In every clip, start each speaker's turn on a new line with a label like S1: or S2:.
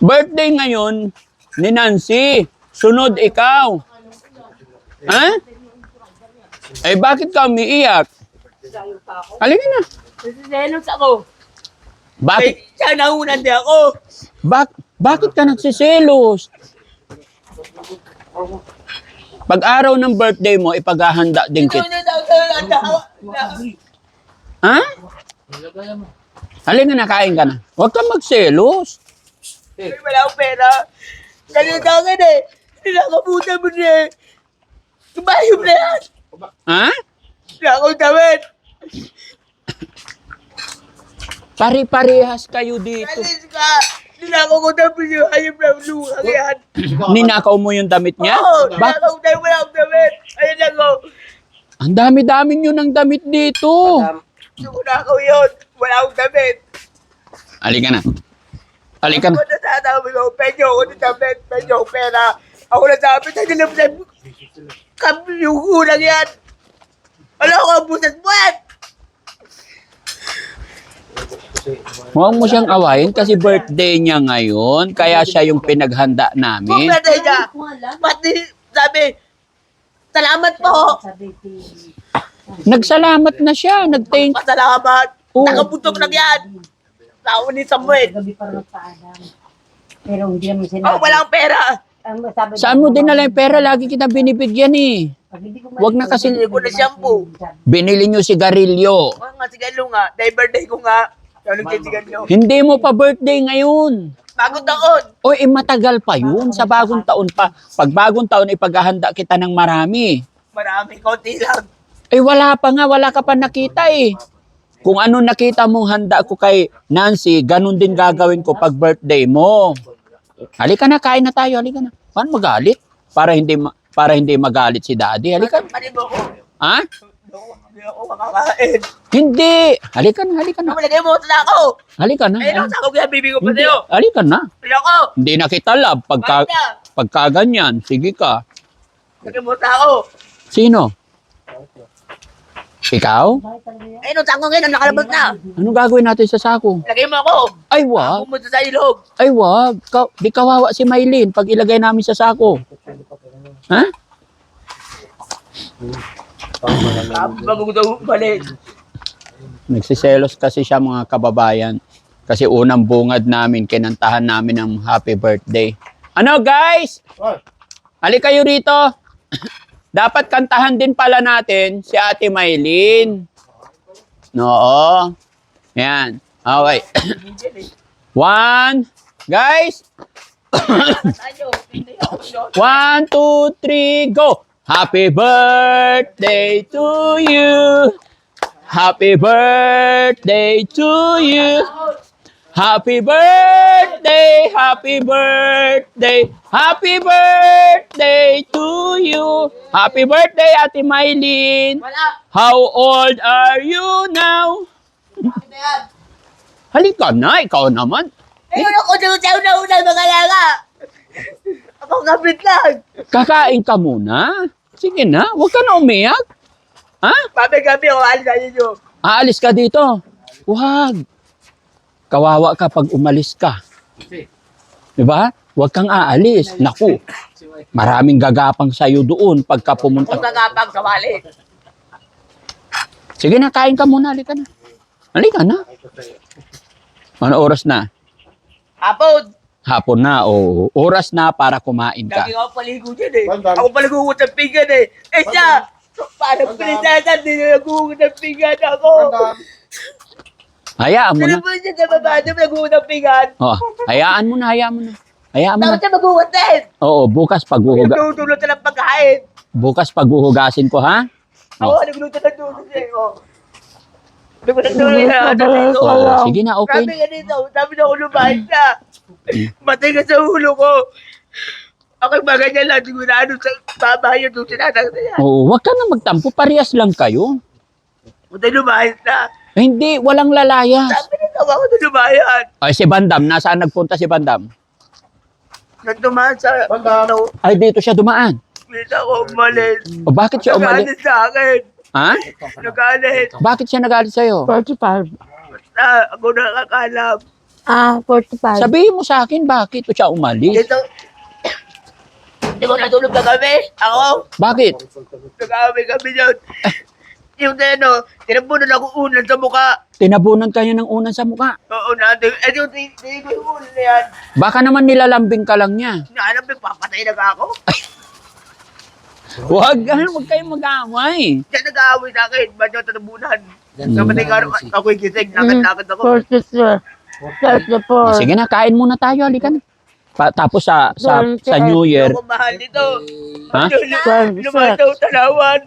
S1: Birthday ngayon ni Nancy. Sunod ikaw. Ha? Eh, bakit ka umiiyak? Halika na.
S2: Nasiselos ako.
S1: Bakit?
S2: Siya naunan din ako.
S1: Bakit ka nagsiselos? Pag araw ng birthday mo, ipaghahanda din kita. Ha? Halika na, kain ka na. Huwag kang magselos.
S2: Wala akong pera. Ganyan ka akin eh. Nakabuta mo na eh. Kumayo mo na yan.
S1: Ha?
S2: Wala akong damit.
S1: Pare-parehas kayo dito.
S2: Alis ka. Ninakaw ko na yung hayop na luha yan.
S1: Ninakaw mo yung damit niya?
S2: Oo, ninakaw ko na wala akong damit. Ayun lang ko.
S1: Ang dami-dami nyo ng damit dito.
S2: Gusto ko nakaw yun. Wala akong damit.
S1: Halika na. Halika na.
S2: Ako na sasabi ko, penyo ako ng damit, penyo ako pera. Ako na sabi, tayo lang na kami yung kulang yan. Wala ko ang busas mo yan.
S1: Huwag mo siyang awayin kasi birthday niya ngayon. Kaya siya yung pinaghanda
S2: Kung
S1: namin.
S2: pwede niya, pati sabi, salamat po.
S1: Nagsalamat na siya. Nag-thank.
S2: Pasalamat.
S1: Oo.
S2: Nakabutok lang yan. Tao ni Samuel.
S3: Gabi pa rin magpaalam. Pero hindi naman sinabi.
S2: Oh, walang pera.
S1: Saan mo dinala yung pera? Lagi kita binibigyan eh. Wag na kasi-
S2: Hindi ko na shampoo.
S1: Binili nyo sigarilyo.
S2: Oh, nga sigalo nga. Dahil birthday ko nga. Ano yung sigalo?
S1: Hindi mo pa birthday ngayon.
S2: Bagong taon.
S1: O matagal pa yun. Sa bagong taon pa. Pag bagong taon, ipaghahanda kita ng marami.
S2: Marami, konti lang.
S1: Wala pa nga. Wala ka pa nakita eh. Kung ano nakita mong handa ko kay Nancy, ganun din gagawin ko pag birthday mo. Halika na, kain na tayo. Halika na. Paano magalit? Para hindi magalit si Daddy. Halika.
S2: Mali mo ko.
S1: Ha?
S2: Hindi ako makakain.
S1: Hindi. Halika na, halika na.
S2: Malagay mo na ako.
S1: Halika na.
S2: Ayun ako sa ako kaya bibi ko pa
S1: Hindi.
S2: sa'yo.
S1: Halika na.
S2: Ayoko.
S1: Hindi na kita love
S2: Bakit na?
S1: pagka ganyan. Sige ka.
S2: Lagay mo na ako.
S1: Sino? Ikaw?
S2: Ayun, sa ako ngayon, nakalabas na.
S1: Anong gagawin natin sa sako?
S2: Lagay mo ako.
S1: Ay, wag.
S2: Pumunta sa ilog.
S1: Ay, wag. Di kawawa si Maylin pag ilagay namin sa sako. Ha?
S2: Bago ko daw balik.
S1: Nagsiselos kasi siya mga kababayan. Kasi unang bungad namin, kinantahan namin ng happy birthday. Ano guys? Halika kayo rito. Dapat kantahan din pala natin si Ate Maylin. Oo. Yan. Okay. One. Guys. 1, 2, 3, go! Happy birthday to you! Happy birthday to you! Happy birthday! Happy birthday! Happy birthday to you! Happy birthday, Ate Maylin!
S2: Wala.
S1: How old are you now? Halika na, ikaw naman.
S2: Ayun ako doon sa una-una mga laga. Ako kapit lang.
S1: Kakain ka muna. Sige na, huwag ka na umiyak. Ha?
S2: Gabi-gabi ako alis sa inyo.
S1: Aalis ka dito. Huwag. Kawawa ka pag umalis ka. Diba? Huwag kang aalis. Naku, maraming gagapang sa'yo doon pagka pumunta.
S2: Kung kagapang sa wali.
S1: Sige na, kain ka muna. Halika na. Halika na. Ano oras na?
S2: Hapon.
S1: Hapon na. O oras na para kumain ka.
S2: Lagi ako paligo dyan eh. Ako paligo ko sa pinggan eh. Eh siya, parang prinsesa, hindi na nagugot ng pinggan ako.
S1: Hayaan mo na.
S2: Ano ba siya sa baba, di ba nagugot ng pinggan?
S1: Oh, hayaan mo na, hayaan mo na. Hayaan mo
S2: Dapat
S1: na.
S2: siya magugot din.
S1: Oo,
S2: Nagtutulot na lang pagkain.
S1: bukas paghuhugasin ko, ha?
S2: Ako, nagluto ng tulot eh. Nagluto na dito.
S1: Oo, sige na, okay.
S2: Sabi nga dito, sabi na ako lumahit na. Matay ka sa ulo ko. Ako yung mga ganyan lang, sigurado sa babae yung doon sinatang na yan.
S1: Oo, wag ka na magtampo. Parehas lang kayo.
S2: Matay lumahit na.
S1: Hindi, walang lalayas.
S2: Sabi na tawa ko na lumayan.
S1: Ay, si Bandam. Nasaan nagpunta si Bandam?
S2: Nagtumahan sa... No,
S1: Ay, dito siya dumaan.
S2: dito ako umalis.
S1: O bakit siya umalis?
S2: Nagalit sa akin.
S1: Ha?
S2: Nagalit.
S1: Bakit siya nagalit sa'yo?
S2: Basta ako nakakalam.
S3: 45.
S1: Sabihin mo sa akin, bakit siya umalis?
S2: Dito. Di ba natulog na kami? Ako?
S1: Bakit?
S2: Nag-aaway kami yun. Yung tinabunan ako unan sa mukha.
S1: Tinabunan kanya ng unan sa mukha.
S2: Oo natin. Eh yung tingin ko yung unan na yan.
S1: Baka naman nilalambing ka lang niya.
S2: Naalam, papatay na ka ako.
S1: Huwag kayong mag-aaway.
S2: Diyan nag-aaway sa akin. Ba't yung tatabunan? Kapatay ka ako'y gising. Lakad-lakad ako.
S3: 46. 34.
S1: Sige na, kain muna tayo. Halika na. Tapos sa New Year.
S2: Ako mahal nito.
S1: Ha?
S2: Lumahan daw talawan.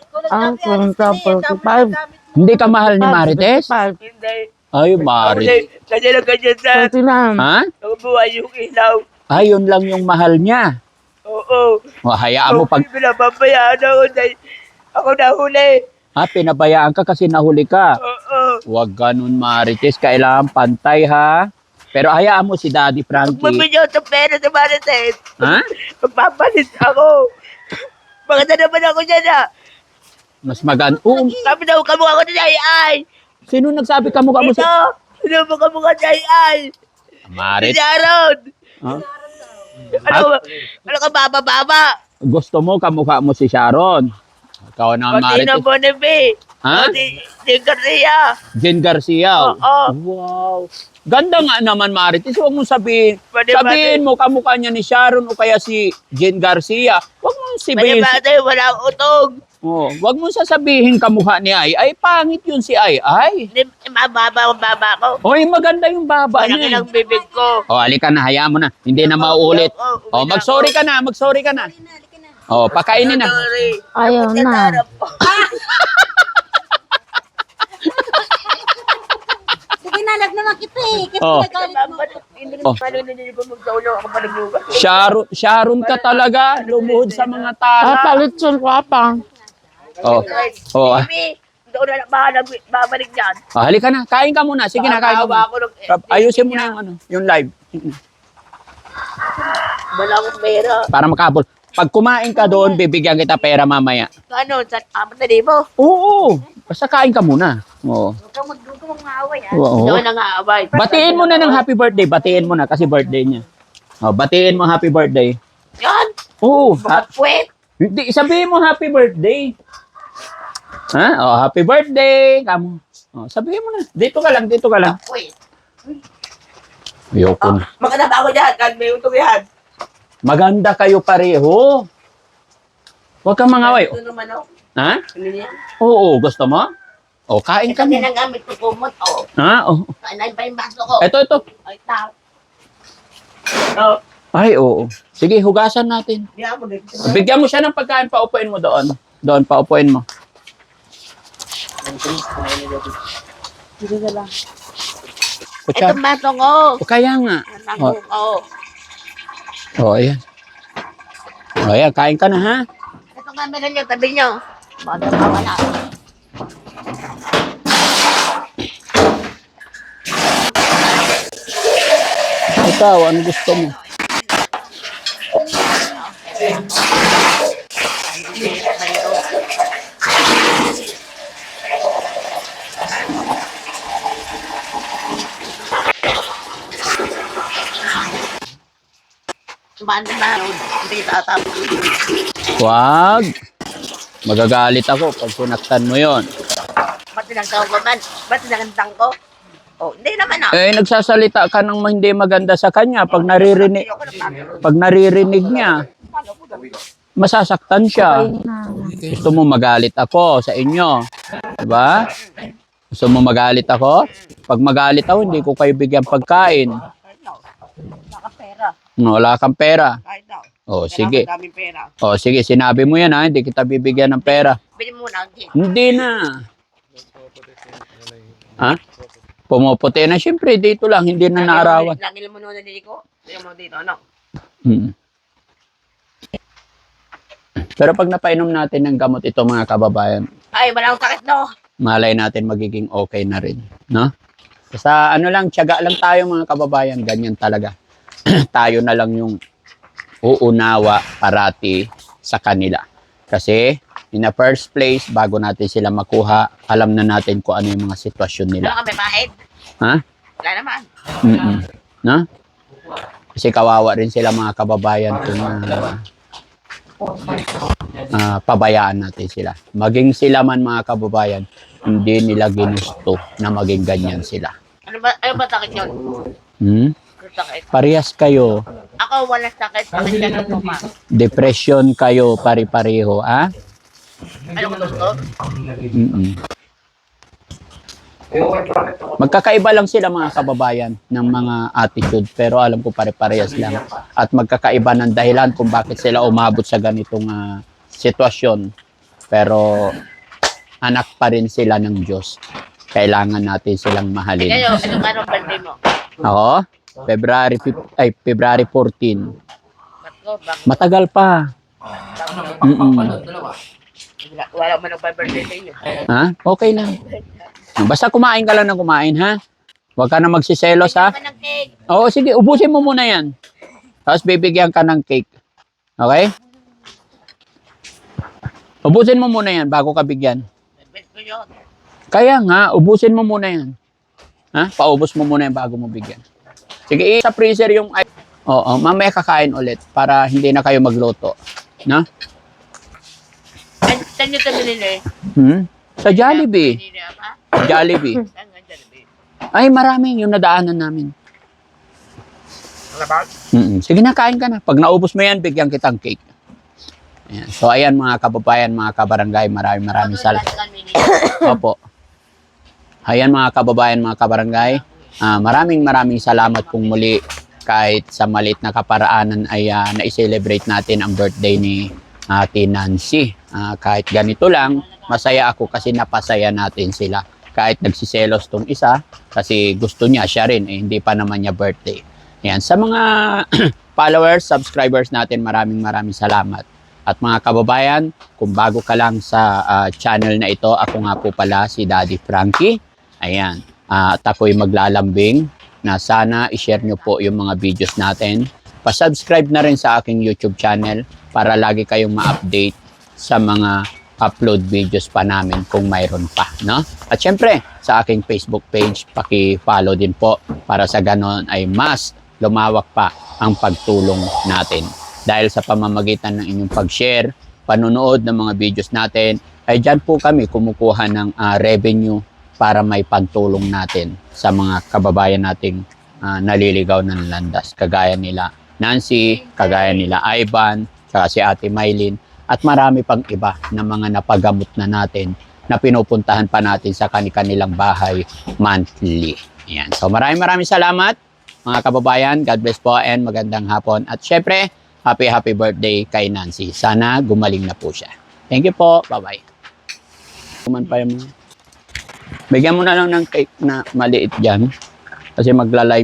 S3: 45.
S1: Hindi ka mahal ni Marites?
S3: 55.
S2: Hindi.
S1: Ay, Marites.
S2: Kasi lang ganyan sa
S3: 39.
S1: Ha?
S2: nakabuhay yung ilaw.
S1: Ayun lang yung mahal niya.
S2: Oo.
S1: O, hayaan mo pag...
S2: Pinapabayaan ako dahil ako nahuli.
S1: Pinabayaan ka kasi nahuli ka.
S2: Oo.
S1: Huwag ganun, Marites. Kailangan pantay, ha? Pero hayaan mo si Daddy Frankie.
S2: Magbibigyan sa pera sa Marites.
S1: Ha?
S2: Magpapalit ako. Maganda naman ako dyan
S1: Mas maganda. Oo.
S2: Sabi daw kamukha ko ni Ay.
S1: Sino nagsabi ka mukha mo
S2: Ito.
S1: sa...
S2: Sino mo kamukha ni Ay? Si
S1: Marites.
S2: Sharon.
S1: Ha?
S2: Ano ka baba-baba?
S1: Gusto mo kamukha mo si Sharon. Ikaw na,
S2: Pati na
S1: Marites.
S2: Bonife.
S1: Ha?
S2: Si Garcia.
S1: Jen Garcia.
S2: Oo.
S1: Wow. Ganda nga naman, Marites. Huwag mong sabihin.
S2: Pwede
S1: Sabihin mo kamukha niya ni Sharon o kaya si Jen Garcia. Huwag mong sabihin.
S2: Pwede wala akong utog.
S1: Oh, huwag mong sasabihin kamukha ni Ay. Pangit yun si Ay.
S2: Hindi, mababa ang baba ko.
S1: Oy, maganda yung baba
S2: Malaki
S1: niya.
S2: lang bibig ko.
S1: Oh, halika na, hayaan mo na. Hindi na mauulit. Oh, mag-sorry ka na, mag-sorry ka na. Oh, pakainin na.
S2: Sorry.
S3: Ayaw na.
S4: Sige na, lag naman kita eh. Kasi
S1: Oh.
S4: nagalit mo.
S1: Oh.
S2: Paano hindi ko magtaulo ako pa naglugas?
S1: Sharon ka talaga. Lumuhod sa mga tala.
S3: Palit yung kwapang.
S1: Oh. Oh,
S2: Baby, hindi ko na babalik dyan.
S1: halika na. Kain ka muna. Sige na, kain ka muna.
S2: Ako ng,
S1: Ayusin mo na yung live.
S2: wala akong pera.
S1: Para makabol. Pag kumain ka doon, bibigyan kita pera mamaya.
S2: Ano, sa 4,000?
S1: Oo. Basta kain ka muna. Oo.
S4: Huwag kang mag-aaway ha.
S2: Hindi
S1: Oo.
S2: ko nangaaway.
S1: Batiin mo na ng happy birthday. Batiin mo na kasi birthday niya. Oh, batiin mo happy birthday.
S2: Yan!
S1: Oo.
S2: Puwet!
S1: Hindi, sabihin mo happy birthday. Ha? Oh, happy birthday. Kamu. Oh, sabihin mo na. Dito ka lang, dito ka lang.
S2: Puwet!
S1: Ayoko na.
S2: Maganda ba ako dyan? Kahit may utog yan.
S1: Maganda kayo pareho. Huwag kang mangaway.
S2: Ito naman ako.
S1: Ha?
S2: Ano yan?
S1: Oo, gusto mo? O, kain
S2: Ito
S1: ka na.
S2: ginagamit ko kumot. Oh.
S1: Ha? Oh.
S2: Kainay pa yung baso ko.
S1: Ito.
S2: Ay, tao. Oh.
S1: Ay, oo. Sige, hugasan natin.
S2: Di ako dito.
S1: Bigyan mo siya ng pagkain, paupuin mo doon. Doon, paupuin mo.
S3: Sige ka lang.
S1: Kutsa.
S2: Itong baso ko.
S1: O, kaya nga.
S2: Nango ko.
S1: O, ayan. O, ayan, kain ka na, ha?
S2: Ito nga meron niyo, tabi niyo. Baka mawala.
S1: Ikaw, ano gusto mo?
S2: Paano na? Hindi tatapos.
S1: Wag. Magagalit ako pag sinaktan mo yon.
S2: Ba't tinagtaw ko man? Ba't tinagtang ko? Oh, hindi naman ah.
S1: Eh, nagsasalita ka ng hindi maganda sa kanya pag naririnig niya. Masasaktan siya. Gusto mo magalit ako sa inyo. Diba? Gusto mo magalit ako? Pag magalit ako, hindi ko kayo bigyan pagkain.
S2: Nakapera.
S1: Wala kang pera.
S2: Kahit daw.
S1: O, sige.
S2: Daming pera.
S1: O, sige, sinabi mo yan ha. Hindi kita bibigyan ng pera.
S2: Bili mo na.
S1: Hindi na. Ha? Pumuputi na. Siyempre, dito lang. Hindi na naarawan.
S2: Lagi mo nung ko. Lagi mo dito, ano?
S1: Hmm. Pero pag napainom natin ng gamot ito mga kababayan,
S2: Ay, walang sakit, no?
S1: malay natin magiging okay na rin. No? Sa ano lang, tiyaga lang tayo mga kababayan. Ganyan talaga. Tayo na lang yung uunawa parati sa kanila. Kasi, in the first place, bago natin sila makuha, alam na natin kung ano yung mga sitwasyon nila.
S2: Ano kami, pahid?
S1: Ha?
S2: Wala naman.
S1: Mm-mm. No? Kasi kawawa rin sila mga kababayan kung pabayaan natin sila. Maging sila man mga kababayan, hindi nila ginusto na maging ganyan sila.
S2: Ano ba sakit yun?
S1: Hmm?
S2: Ano sakit?
S1: Parehas kayo.
S2: Ako wala sakit. Sakit ka ng tuma.
S1: Depression kayo, pari-pareho. Ah?
S2: Ano ko gusto?
S1: Mm-mm. Magkakaiba lang sila mga kababayan ng mga attitude pero alam ko pare-parehas lang at magkakaiba ng dahilan kung bakit sila umabot sa ganitong sitwasyon pero anak pa rin sila ng Diyos. Kailangan natin silang mahalin.
S2: Kayo, anong birthday mo?
S1: Ako, February 14.
S2: Matko, bakit?
S1: Matagal pa. Mm-mm.
S2: Wala man ang birthday sa iyo.
S1: Ha? Okay lang. Basta kumain ka lang ng kumain, ha? Huwag ka na magsiselos, ha?
S2: Naman ng cake.
S1: Oo, sige, ubusin mo muna yan. Tapos bibigyan ka ng cake. Okay? Ubusin mo muna yan bago ka bigyan.
S2: Bet ko yun.
S1: Kaya nga, ubusin mo muna yan. Ha? Paubos mo muna yan bago mo bigyan. Sige, sa freezer yung... Oo, mamaya kakain ulit para hindi na kayo magluto. No?
S2: Saan nyo ito binili?
S1: Sa Jollibee.
S2: Binili apa?
S1: Jollibee.
S2: Saan nga Jollibee?
S1: Ay, marami yung nadaanan namin.
S2: Alabang?
S1: Sige na, kain ka na. Pag naubos mo yan, bigyan kitang cake. Ayan. So, ayan mga kababayan, mga kabarangay, maraming salamat. Opo. Ayan mga kababayan, mga kabarangay, maraming salamat kung muli kahit sa maliit na kaparaanan ay na-celebrate natin ang birthday ni Ate Nancy. Kahit ganito lang, masaya ako kasi napasaya natin sila. Kahit nagsiselos tong isa, kasi gusto niya, siya rin, hindi pa naman niya birthday. Ayan. Sa mga followers, subscribers natin, maraming salamat. At mga kababayan, kung bago ka lang sa channel na ito, ako nga po pala si Daddy Frankie. Ayan. At ako'y maglalambing na sana i-share nyo po yung mga videos natin. Pa-subscribe na rin sa aking YouTube channel para lagi kayong ma-update sa mga upload videos pa namin kung mayroon pa. No? At syempre, sa aking Facebook page, paki-follow din po para sa ganon ay mas lumawak pa ang pagtulong natin. Dahil sa pamamagitan ng inyong pag-share, panonood ng mga videos natin, ay dyan po kami kumukuha ng revenue para may pantulong natin sa mga kababayan nating naliligaw ng landas. Kagaya nila Nancy, kagaya nila Ivan, saka si Ate Mylene, at marami pang iba na mga napagamot na natin na pinupuntahan pa natin sa kanilang bahay monthly. Ayan. So maraming salamat mga kababayan. God bless po and magandang hapon. At syempre, happy birthday kay Nancy. Sana gumaling na po siya. Thank you po. Bye-bye. Bigyan mo na lang ng cake na maliit dyan. Kasi magla-live